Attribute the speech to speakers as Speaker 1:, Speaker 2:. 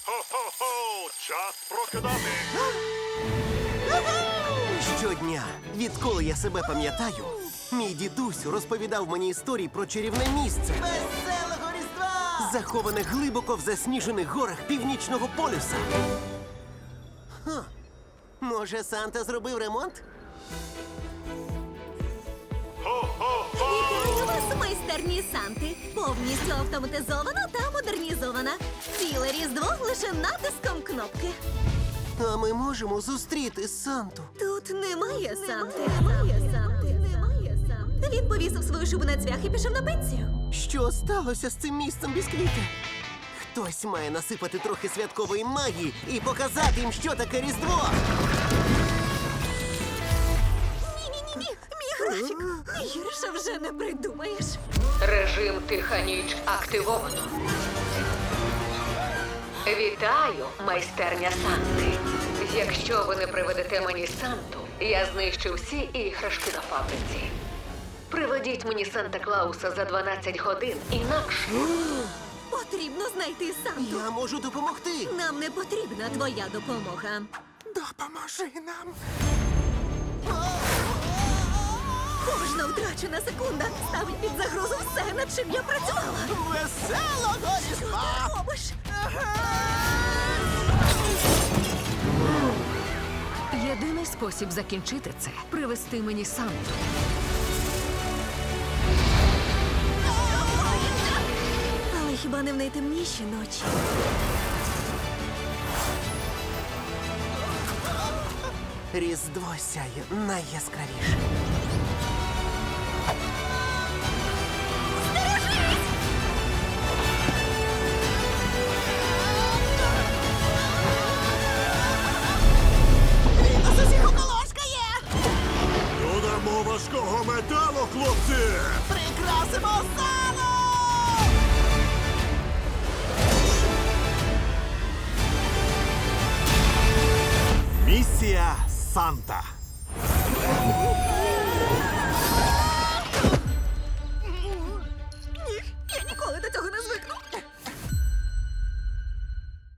Speaker 1: Хо-хо-хо! Час прокидати!
Speaker 2: Щодня, відколи я себе пам'ятаю, мій дідусь розповідав мені історії про чарівне місце,
Speaker 3: Веселого Різдва!
Speaker 2: заховане глибоко в засніжених горах Північного полюса. Може, Санта зробив ремонт?
Speaker 4: Вітаю вас, майстерні Санти! Повністю автоматизована та модернізована. Ціле Різдво лише натиском кнопки.
Speaker 2: А ми можемо зустріти Санту.
Speaker 4: Тут немає Санти. Немає Санти. Він повісив свою шубу на цвях і пішов на пенсію.
Speaker 2: Що сталося з цим місцем бісквіти? Хтось має насипати трохи святкової магії і показати їм, що таке Різдво.
Speaker 4: Ні-ні-ні, мій графік. Гірше вже не придумаєш.
Speaker 5: Режим тиха ніч активовано. Вітаю, майстерня Санти. Якщо ви не приведете мені Санту, я знищу всі іграшки на фабриці. Приведіть мені Санта-Клауса за 12 годин, інакше...
Speaker 4: Потрібно знайти Санту.
Speaker 2: Я можу допомогти.
Speaker 4: Нам не потрібна твоя допомога.
Speaker 2: Допоможи нам.
Speaker 4: Кожна втрачена секунда ставить під загрозу все, над чим я працювала.
Speaker 3: Веселого
Speaker 4: Що
Speaker 3: Різдва!
Speaker 4: ти робиш?
Speaker 5: Єдиний спосіб закінчити це – привести мені Санту.
Speaker 4: Але хіба не в найтемніші ночі?
Speaker 2: Різдво сяє найяскравіше.
Speaker 3: Він нас усіх околошкає!
Speaker 1: Додамо важкого металу, хлопці!
Speaker 3: Прикрасимо залу!
Speaker 1: Місія Санта.